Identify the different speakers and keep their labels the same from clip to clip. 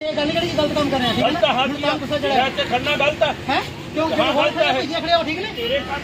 Speaker 1: गलत काम कर रहे हैं
Speaker 2: गलत हाँ जी खड़ना गलत है
Speaker 1: क्यों गलत है खड़े हो ठीक नहीं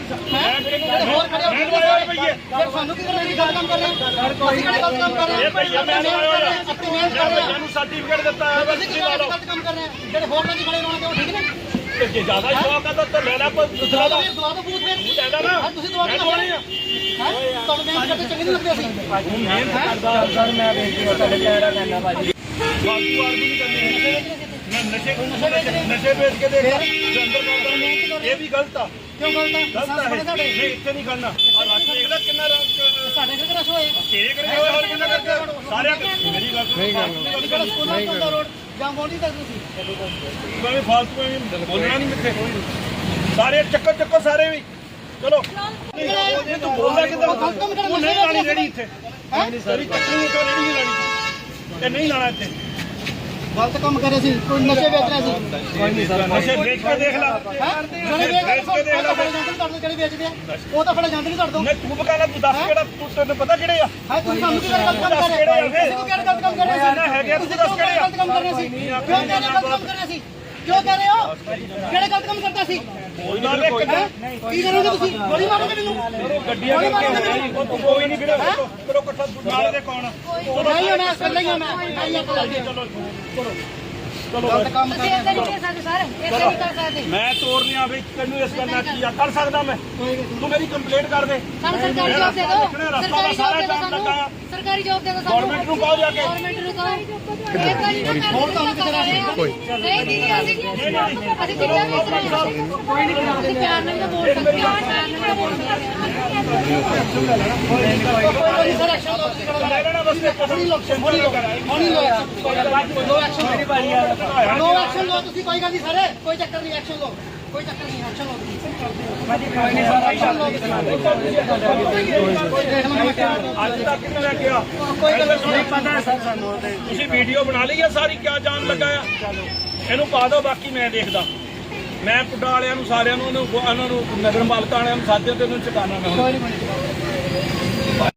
Speaker 1: ਸਾਨੂੰ ਕੀ ਕਰਨਾ ਗਲਤ ਕੰਮ ਕਰ ਰਹੇ ਅਸੀਂ ਕਿਹੜੇ ਗਲਤ ਕੰਮ ਕਰ ਰਹੇ
Speaker 2: ਇਹ ਭਈਆ ਮੈਂ ਸਰਟੀਫਿਕੇਟ ਦਿੱਤਾ ਹੈ
Speaker 1: ਅਸੀਂ ਕਿਹੜੇ ਗਲਤ ਕੰਮ ਕਰ ਰਹੇ ਹਾਂ ਜਿਹੜੇ ਹੋਟਲਾਂ 'ਚ ਖੜੇ ਹੋਣਗੇ ਉਹ ਠੀਕ ਨੇ
Speaker 2: ਜੇ ਜ਼ਿਆਦਾ ਸ਼ੌਕ ਹੈ ਤਾਂ ਲੈ ਲੈ ਪਰ ਦੂਸਰਾ ਦਾ
Speaker 1: ਦਵਾ ਦੋ ਬੂਥ ਫਿਰ
Speaker 2: ਕਹਿੰਦਾ ਨਾ
Speaker 1: ਤੁਸੀਂ ਦਵਾ ਦੋ
Speaker 2: ਨਹੀਂ ਆ
Speaker 1: ਤੁਹਾਨੂੰ ਮਿਹਨਤ ਕਰਦੇ ਚੰਗੇ ਨਹੀਂ ਲੱਗਦੇ ਅਸੀਂ
Speaker 2: ਮਿਹਨਤ ਕਰਦਾ ਸਰ ਮੈਂ ਬੇਨਤੀ ਤੁਹਾਡੇ ਕਹਿਣਾ ਕਹਿੰਦਾ ਭਾਜੀ ਫਾਲਤੂ ਆਦਮੀ ਨਹੀਂ ਕਰਨੀ ਮੈਂ ਨਸ਼ੇ ਵੇਚ ਕੇ ਦੇਖ ਅੰਦਰ ਕਰਦਾ ਇਹ ਵੀ ਗਲਤ ਆ
Speaker 1: ਕਿਉਂ ਗਲਤ
Speaker 2: ਹੈ ਨਹੀਂ ਇੱਥੇ ਨਹੀਂ ਕਰਨਾ ਔਰ ਰਸ਼ ਦੇਖ ਲੈ ਕਿੰਨਾ
Speaker 1: ਸਾਡੇ ਘਰ ਰਸ਼ ਹੋਏ
Speaker 2: ਤੇਰੇ ਕਰਕੇ ਹੋਏ ਹੋਰ ਕਿੰਨਾ ਕਰਕੇ ਸਾਰਿਆਂ ਮੇਰੀ ਗੱਲ
Speaker 1: ਜਿਹੜਾ ਸਕੂਲ ਦਾ ਰੋਡ ਜਾਂ ਮੋੜੀ ਤੱਕ ਤੁਸੀਂ
Speaker 2: ਮੈਂ ਫਾਲਤੂ ਬੋਲਣਾ ਨਹੀਂ ਮਿੱਥੇ ਸਾਰੇ ਚੱਕੋ ਸਾਰੇ ਵੀ ਚਲੋ ਇਹ ਤੂੰ ਬੋਲਦਾ ਕਿੱਦਾਂ ਉਹ ਨਹੀਂ ਲਾਣੀ ਰੇੜੀ ਇੱਥੇ ਨਹੀਂ ਸਾਰੀ ਚੱਕਣੀ ਇੱਕ ਰੇੜੀ ਨਹੀਂ ਲਾਣੀ ਤੇ ਨਹੀਂ ਲਾਣਾ ਇੱਥੇ
Speaker 1: ਗਲਤ ਕੰਮ ਕਰੇ ਸੀ ਕੋਈ ਨਸ਼ੇ ਵੇਚ ਰਿਹਾ ਸੀ
Speaker 2: ਕੋਈ ਨਹੀਂ ਸਰ ਨਸ਼ੇ ਵੇਚ ਕੇ ਦੇਖ ਲੈ
Speaker 1: ਜਿਹੜੇ ਵੇਚ ਕੇ ਦੇਖ ਲੈ ਜਿਹੜੇ ਵੇਚਦੇ ਆ ਉਹ ਤਾਂ ਫੜੇ ਜਾਂਦੇ ਨਹੀਂ ਤੁਹਾਡੇ ਤੋਂ
Speaker 2: ਨਹੀਂ ਤੂੰ ਬਕਾਲਾ ਤੂੰ ਦੱਸ ਕਿਹੜਾ ਤੈਨੂੰ ਪਤਾ ਕਿਹੜੇ ਆ
Speaker 1: ਹਾਂ ਤੁਸੀਂ ਸਾਨੂੰ ਕੀ ਗਲਤ ਕੰਮ ਕਰ ਰਹੇ ਹੋ ਤੁਸੀਂ ਕਿਹੜਾ ਗਲਤ ਕੰਮ ਕਰ ਰਹੇ ਸੀ
Speaker 2: ਹੈਗੇ ਤੁਸੀਂ ਦੱਸ ਕਿਹੜੇ
Speaker 1: ਗਲਤ ਕੰਮ ਕਰ ਰਹੇ ਸੀ ਕਿਉਂ ਕਹਿੰਦੇ ਗਲਤ ਕੰਮ ਕਰ ਰਹੇ ਸੀ ਕਿਉਂ ਕਹਿ ਰਹੇ ਹੋ ਕਿਹੜੇ ਗਲਤ ਕੰਮ ਕਰਦਾ ਸੀ ਕੀ ਕਰੋਗੇ ਤੁਸੀਂ ਗੋਲੀ ਮਾਰੋਗੇ ਮੈਨੂੰ
Speaker 2: ਗੱਡੀਆਂ ਕਰਕੇ ਕੋਈ ਨਹੀਂ ਵੀਰੇ ਕਰੋ ਇਕੱਠਾ ਨਾਲ ਦੇ ਕੌਣ
Speaker 1: ਨਹੀਂ ਹੋਣਾ ਇਕੱਲੇ ਹੀ ਹੋਣਾ
Speaker 2: ਚਲੋ
Speaker 1: ਗਲਤ ਕੰਮ ਕਰ
Speaker 3: ਏਦਾਂ ਨਹੀਂ ਕਰ ਸਕਦੇ ਸਰ ਏਦਾਂ ਨਹੀਂ ਕਰ ਸਕਦੇ
Speaker 2: ਮੈਂ ਤੋੜਨਿਆ ਵੀ ਤੈਨੂੰ ਇਸ ਕਰਨਾ ਕੀ ਆ ਕਰ ਸਕਦਾ ਮੈਂ ਤੂੰ ਮੇਰੀ ਕੰਪਲੇਂਟ ਕਰ ਦੇ
Speaker 3: ਸਾਨੂੰ ਸਰਕਾਰੀ ਜੋਬ ਦੇ ਦਿਓ ਸਰਕਾਰੀ ਜੋਬ ਦੇ ਦਿਓ ਸਾਨੂੰ
Speaker 2: ਗਵਰਨਮੈਂਟ ਨੂੰ ਕਹੋ ਜਾ ਕੇ
Speaker 3: ਗਵਰਨਮੈਂਟ ਨੂੰ ਕਹੋ ਏਦਾਂ ਨਹੀਂ ਨਾ
Speaker 1: ਹੋਰ ਤੁਹਾਨੂੰ ਕਿਸੇ ਦਾ
Speaker 3: ਨਹੀਂ ਦੀਦੀ ਅਸੀਂ ਕਿੱਦਾਂ ਵੇਚ ਰਹੇ ਹਾਂ ਕੋਈ ਨਹੀਂ ਅਸੀਂ ਪਿਆਰ ਨਾਲ ਤਾਂ ਬੋਲ ਸਕਦੇ ਹਾਂ ਪਿਆਰ ਨਾਲ ਤਾਂ ਬੋਲ ਸਕਦੇ
Speaker 1: ਸਰ ਐਕਸ਼ਨ ਲਓ ਤੁਸੀਂ ਕਿਹੜਾ
Speaker 2: ਲੈ ਲੈਣਾ ਬਸ
Speaker 1: ਹੋਣੀ ਲੋ ਐਕਸ਼ਨ ਮੇਰੀ ਭਾਈ ਯਾਰ ਨੋ ਐਕਸ਼ਨ ਲਓ ਤੁਸੀਂ ਕੋਈ ਗੱਲ ਨਹੀਂ ਸਾਰੇ ਕੋਈ ਚੱਕਰ ਨਹੀਂ ਐਕਸ਼ਨ ਲਓ ਕੋਈ ਚੱਕਰ ਨਹੀਂ ਐਕਸ਼ਨ ਲਓ ਕੋਈ ਨਹੀਂ ਸਰ ਐਕਸ਼ਨ ਲਓ
Speaker 2: ਅੱਜ ਤੱਕ ਕਿੰਨੇ ਲੈ ਗਿਆ
Speaker 1: ਕੋਈ ਗੱਲ ਨਹੀਂ
Speaker 2: ਪਤਾ ਸਰ ਸਾਨੂੰ ਤੁਸੀਂ ਵੀਡੀਓ ਬਣਾ ਲਈ ਆ ਸਾਰੀ ਕਿਆ ਜਾਣ ਲੱਗਾ ਆ ਇਹਨੂੰ ਪਾ ਦਿਓ ਬਾਕੀ ਮੈਂ ਦੇਖਦਾ ਮੈਂ ਪੁੱਡਾ ਵਾਲਿਆਂ ਨੂੰ ਸਾਰਿਆਂ ਨੂੰ ਉਹਨਾਂ ਨੂੰ ਨਗਰ ਮਾਲਕਾਂ ਵਾਲਿਆਂ ਨੂੰ ਸਾਧਿਆਂ ਤੇ ਉਹਨੂੰ ਚੁਕਾਣਾ ਮੈਂ
Speaker 1: ਕੋਈ ਨਹੀਂ